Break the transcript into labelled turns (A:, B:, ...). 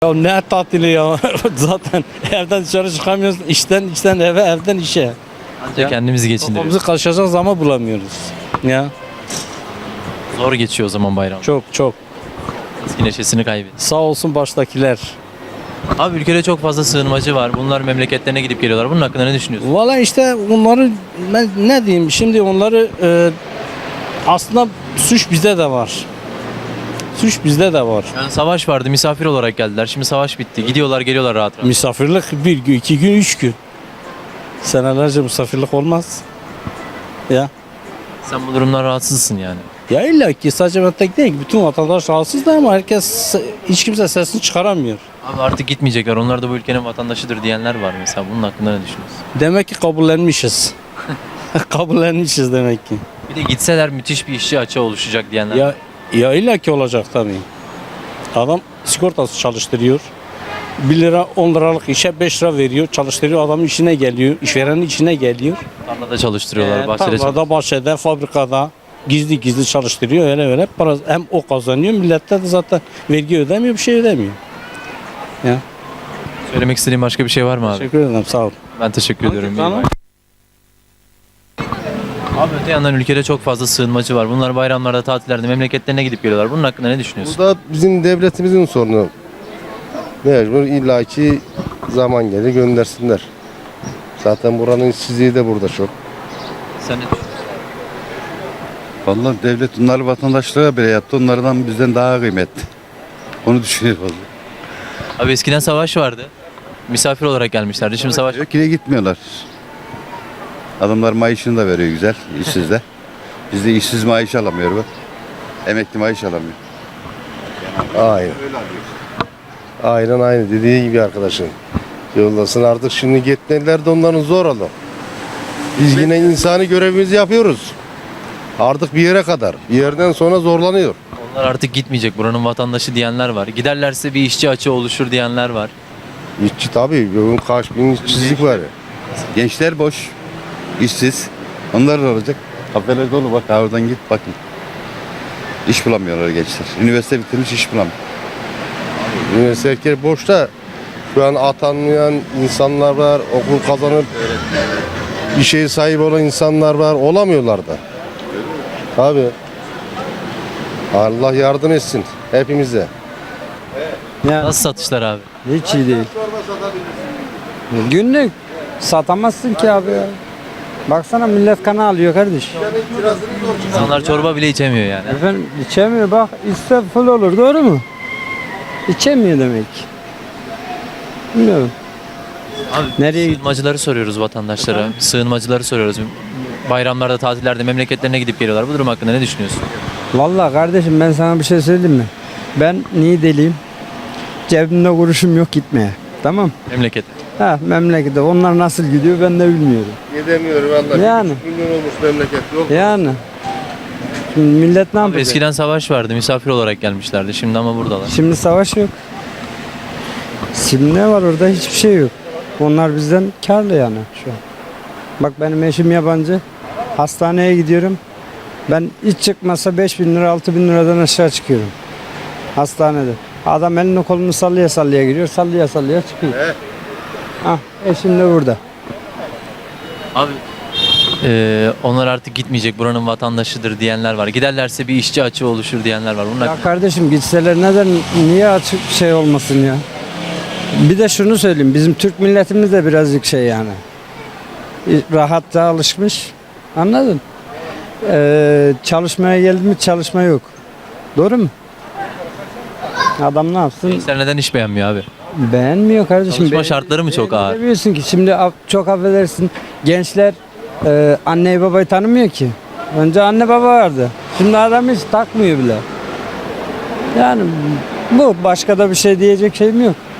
A: Ya ne tatili ya zaten evden dışarı çıkamıyoruz, işten eve, evden işe.
B: Ancak kendimizi geçindiriyoruz.
A: Kafamızı kaşıyacak zaman bulamıyoruz. Ya
B: Zor geçiyor o zaman bayram.
A: çok
B: Eski neşesini kaybediyor.
A: sağ olsun baştakiler.
B: Abi ülkede çok fazla sığınmacı var. Bunlar memleketlerine gidip geliyorlar. Bunun hakkında ne düşünüyorsun?
A: Valla işte onları ben ne diyeyim şimdi onları aslında suç bizde de var. Suç bizde de var.
B: Yani savaş vardı, misafir olarak geldiler. Şimdi savaş bitti. Gidiyorlar, geliyorlar rahat rahat.
A: Misafirlik bir gün, 2 gün, 3 gün. Senelerce misafirlik olmaz. Ya.
B: Sen bu durumdan rahatsızsın yani.
A: Ya illa ki sadece ben tek değil ki bütün vatandaş rahatsız da ama hiç kimse sesini çıkaramıyor.
B: Abi artık gitmeyecekler. Onlar da bu ülkenin vatandaşıdır diyenler var mesela. Bunun hakkında ne düşünüyorsun?
A: Demek ki kabullenmişiz. Kabullenmişiz demek ki.
B: Bir de gitseler müthiş bir işçi açığı oluşacak diyenler var.
A: Ya illa ki olacak tabii. Adam sigortası çalıştırıyor. 1 lira 10 liralık işe 5 lira veriyor. Çalıştırıyor adamın işine geliyor. İşverenin işine geliyor.
B: Tarlada çalıştırıyorlar, bahçede
A: Tarlada,
B: çalıştırıyorlar.
A: bahçede, fabrikada gizli çalıştırıyor. Öyle para hem o kazanıyor. Millette de zaten vergi ödemiyor, bir şey ödemiyor. Ya.
B: Söylemek istediğin başka bir şey var mı abi?
A: Teşekkür ederim. Sağ ol.
B: Ben teşekkür ediyorum.
A: Tamam.
B: Abi öte yandan ülkede çok fazla sığınmacı var. Bunlar bayramlarda, tatillerde memleketlerine gidip geliyorlar. Bunun hakkında ne düşünüyorsun?
C: Bu da bizim devletimizin sorunu. Mecbur illaki zaman gelir göndersinler. Zaten buranın işsizliği de burada çok.
B: Sen ne düşünüyorsun?
D: Vallahi devlet onları vatandaşlara bile yaptı. Onlardan bizden daha kıymetli. Onu düşünüyorum vallahi.
B: Abi eskiden savaş vardı. Misafir olarak gelmişlerdi. Şimdi savaş
D: Yok yine gitmiyorlar. Adamlar maaşını da veriyor güzel, işsiz de. Biz de işsiz maaş alamıyor bak. Emekli maaş alamıyor.
C: Aynen. Aynen aynı dediği gibi arkadaşın. Yoldasın artık şimdi gitmediler de onların zor oldu. Biz yine insani görevimizi yapıyoruz. Artık bir yere kadar. Bir yerden sonra zorlanıyor.
B: onlar artık gitmeyecek. Buranın vatandaşı diyenler var. Giderlerse bir işçi açığı oluşur diyenler var.
C: İşçi tabii. Bugün kaç bin işsizlik var.
D: Gençler boş, işsiz. Onlar da olacak. Kafeler dolu bak oradan git bakın. İş bulamıyorlar gençler. Üniversite bitirmiş iş bulamıyor.
C: Üniversite boşta. Şu an atanmayan insanlar var. Okul kazanıp bir şey sahibi olan insanlar var. Olamıyorlar da. Tabii. Allah yardım etsin hepimize.
B: Nasıl satışlar abi?
E: Hiç iyi değil. Günlük satamazsın ki abi ya. Baksana millet kana alıyor kardeş.
B: İnsanlar çorba bile içemiyor yani.
E: Efendim içemiyor bak içse full olur doğru mu? İçemiyor demek. Bilmiyorum.
B: Abi
E: Nereye gidiyor?
B: sığınmacıları soruyoruz vatandaşlara. Sığınmacıları soruyoruz. Bayramlarda, tatillerde memleketlerine gidip geliyorlar. Bu durum hakkında ne düşünüyorsun?
E: Vallahi kardeşim ben sana bir şey söyleyeyim mi? Ben Niğdeliyim. Cebimde kuruşum yok gitmeye. Tamam.
B: Memleket.
E: Ha memlekete onlar nasıl gidiyor ben de bilmiyorum.
C: Gidemiyor vallahi.
E: Yani.
C: Milyon olmuş memleket yok.
E: Yani. Şimdi millet ne
B: Abi
E: yapacak?
B: eskiden savaş vardı. Misafir olarak gelmişlerdi. Şimdi ama buradalar.
E: Şimdi savaş yok. Şimdi ne var orada? Hiçbir şey yok. Onlar bizden karlı yani şu an. Bak benim eşim yabancı. Hastaneye gidiyorum. Ben hiç çıkmasa 5.000 lira 6.000 liradan aşağı çıkıyorum. Hastanede. Adam elini kolunu sallaya sallaya giriyor. Sallaya sallaya çıkıyor. Ah, eşim de burada.
B: Abi onlar artık gitmeyecek. Buranın vatandaşıdır diyenler var. Giderlerse bir işçi açığı oluşur diyenler var. Bunun
E: Ya
B: hakkında-
E: kardeşim gitseler neden niye açık şey olmasın ya? Bir de şunu söyleyeyim. Bizim Türk milletimiz de birazcık şey yani. Rahatta alışmış. Anladın? Çalışmaya geldi mi çalışma yok. Doğru mu? Adam ne yapsın?
B: Gençler neden iş beğenmiyor abi?
E: Beğenmiyor kardeşim.
B: Çalışma şartları mı çok ağır?
E: Bilmiyorsun ki şimdi çok affedersin. Gençler anneyi babayı tanımıyor ki. Önce anne baba vardı. Şimdi adam hiç takmıyor bile. Yani bu başka da bir şey diyecek şeyim yok.